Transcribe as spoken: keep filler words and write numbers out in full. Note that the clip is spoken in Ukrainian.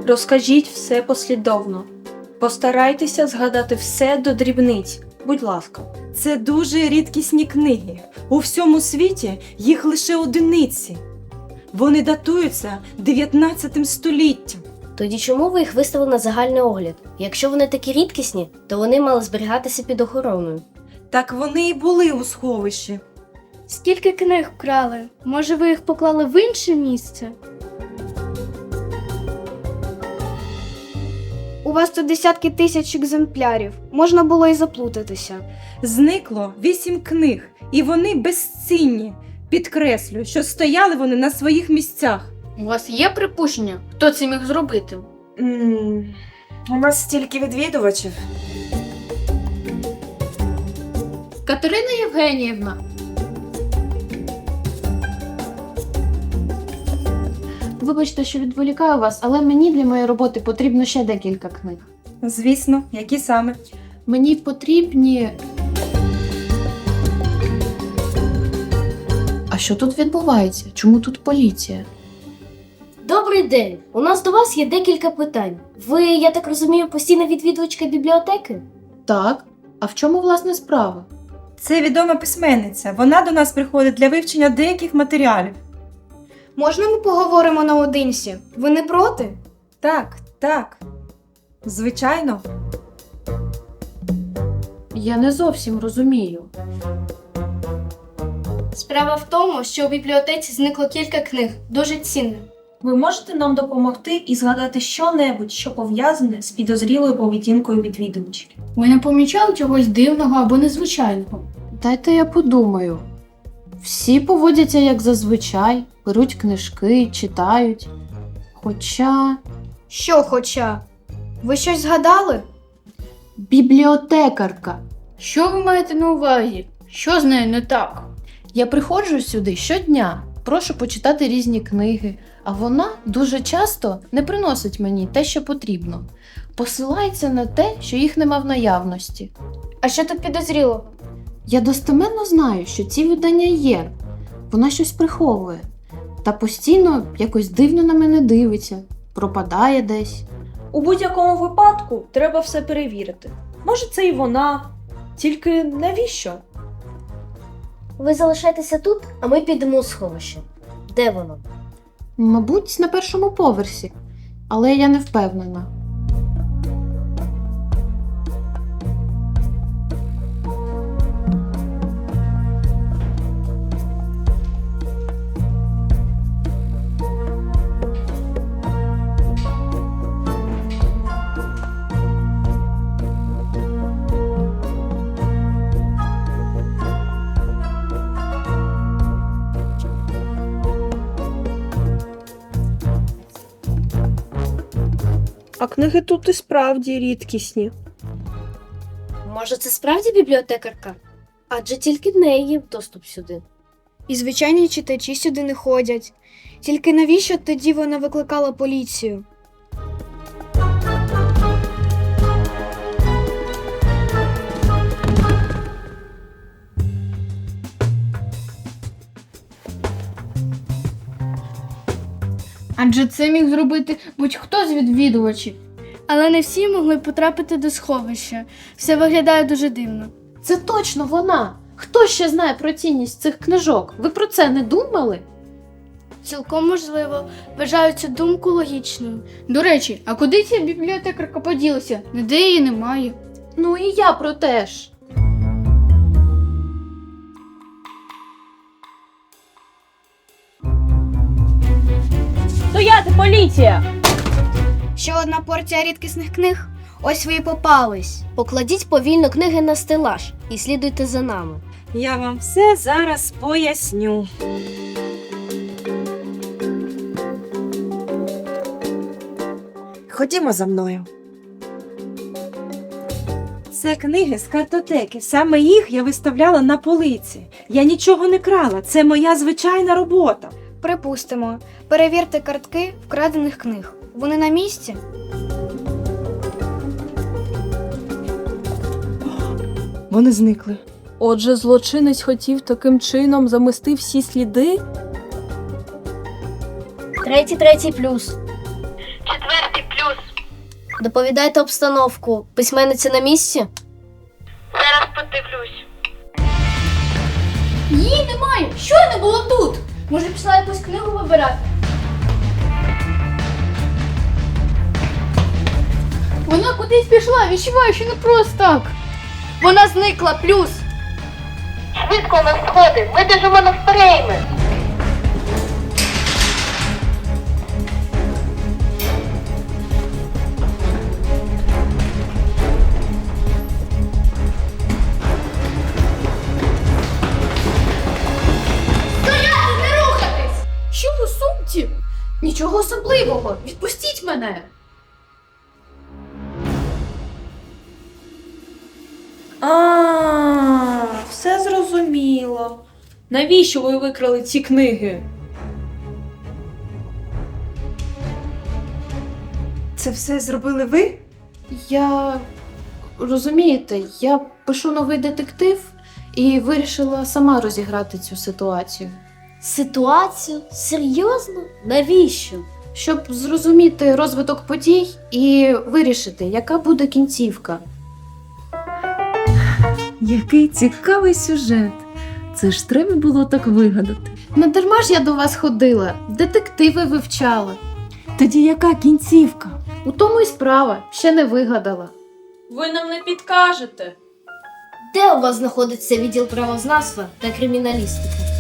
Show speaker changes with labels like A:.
A: Розкажіть все послідовно. Постарайтеся згадати все до дрібниць, будь ласка.
B: Це дуже рідкісні книги. У всьому світі їх лише одиниці. Вони датуються дев'ятнадцятим століттям.
C: Тоді чому ви їх виставили на загальний огляд? Якщо вони такі рідкісні, то вони мали зберігатися під охороною.
B: Так вони і були у сховищі.
D: Скільки книг вкрали? Може, ви їх поклали в інше місце? У вас тут десятки тисяч екземплярів. Можна було і заплутатися.
B: Зникло вісім книг, і вони безцінні. Підкреслю, що стояли вони на своїх місцях.
E: У вас є припущення, хто це міг зробити?
B: М, У нас стільки відвідувачів.
E: Катерина Євгеніївна.
F: Вибачте, що відволікаю вас, але мені для моєї роботи потрібно ще декілька книг.
B: Звісно, які саме?
F: Мені потрібні... А що тут відбувається? Чому тут поліція?
C: Добрий день! У нас до вас є декілька питань. Ви, я так розумію, постійна відвідувачка бібліотеки?
F: Так, а в чому власне справа?
B: Це відома письменниця. Вона до нас приходить для вивчення деяких матеріалів.
D: Можна ми поговоримо наодинці? Ви не проти?
B: Так, так. Звичайно.
F: Я не зовсім розумію.
D: Справа в тому, що у бібліотеці зникло кілька книг, дуже цінних.
A: Ви можете нам допомогти і згадати що-небудь, що пов'язане з підозрілою поведінкою відвідувачів?
E: Ви не помічали чогось дивного або незвичайного?
F: Дайте я подумаю. Всі поводяться як зазвичай, беруть книжки, читають. Хоча...
D: Що хоча? Ви щось згадали?
F: Бібліотекарка.
E: Що ви маєте на увазі? Що з нею не так?
F: Я приходжу сюди щодня, прошу почитати різні книги, а вона дуже часто не приносить мені те, що потрібно. Посилається на те, що їх нема в наявності.
D: А що тут підозрілого?
F: Я достеменно знаю, що ці видання є. Вона щось приховує. Та постійно якось дивно на мене дивиться, пропадає десь.
A: У будь-якому випадку треба все перевірити. Може, це і вона. Тільки навіщо?
C: Ви залишайтеся тут, а ми підемо у сховище. Де воно?
F: Мабуть, на першому поверсі, але я не впевнена.
A: А книги тут і справді рідкісні.
C: Може, це справді бібліотекарка? Адже тільки в неї є доступ сюди.
D: І звичайні читачі сюди не ходять. Тільки навіщо тоді вона викликала поліцію?
E: Адже це міг зробити будь-хто з відвідувачів.
D: Але не всі могли потрапити до сховища. Все виглядає дуже дивно.
F: Це точно вона! Хто ще знає про цінність цих книжок? Ви про це не думали?
D: Цілком можливо. Вважаю цю думку логічною.
E: До речі, а куди ця бібліотекарка поділася? Ніде її немає.
F: Ну і я про те ж.
A: Стояти, поліція!
D: Ще одна порція рідкісних книг? Ось ви і попались.
C: Покладіть повільно книги на стелаж і слідуйте за нами.
B: Я вам все зараз поясню. Ходімо за мною. Це книги з картотеки. Саме їх я виставляла на полиці. Я нічого не крала. Це моя звичайна робота.
D: Припустимо. Перевірте картки вкрадених книг. Вони на місці?
B: Вони зникли.
A: Отже, злочинець хотів таким чином замести всі сліди?
C: Третій, третій плюс.
G: Четвертий плюс. плюс.
C: Доповідайте обстановку. Письменниця на місці?
G: Зараз подивлюсь.
E: Її немає! Щойно було тут! Може, пішла якусь книгу вибирати? Вона кудись пішла, відчуваю, що не просто так. Вона зникла, плюс.
G: Швидко на сходи, ми біжимо на фрейми.
E: Стояти, не рухатись! Що у сумці? Нічого особливого. Відпустіть мене.
A: А, все зрозуміло. Навіщо ви викрали ці книги?
B: Це все зробили ви?
F: Я розумієте, я пишу новий детектив і вирішила сама розіграти цю ситуацію,
C: Ситуацію? Серйозно? Навіщо?
F: щоб зрозуміти розвиток подій і вирішити, яка буде кінцівка.
H: Який цікавий сюжет. Це ж треба було так вигадати.
F: Не дарма ж я до вас ходила, детективи вивчала.
B: Тоді яка кінцівка?
F: У тому й справа, ще не вигадала.
A: Ви нам не підкажете.
C: Де у вас знаходиться відділ правознавства та криміналістики?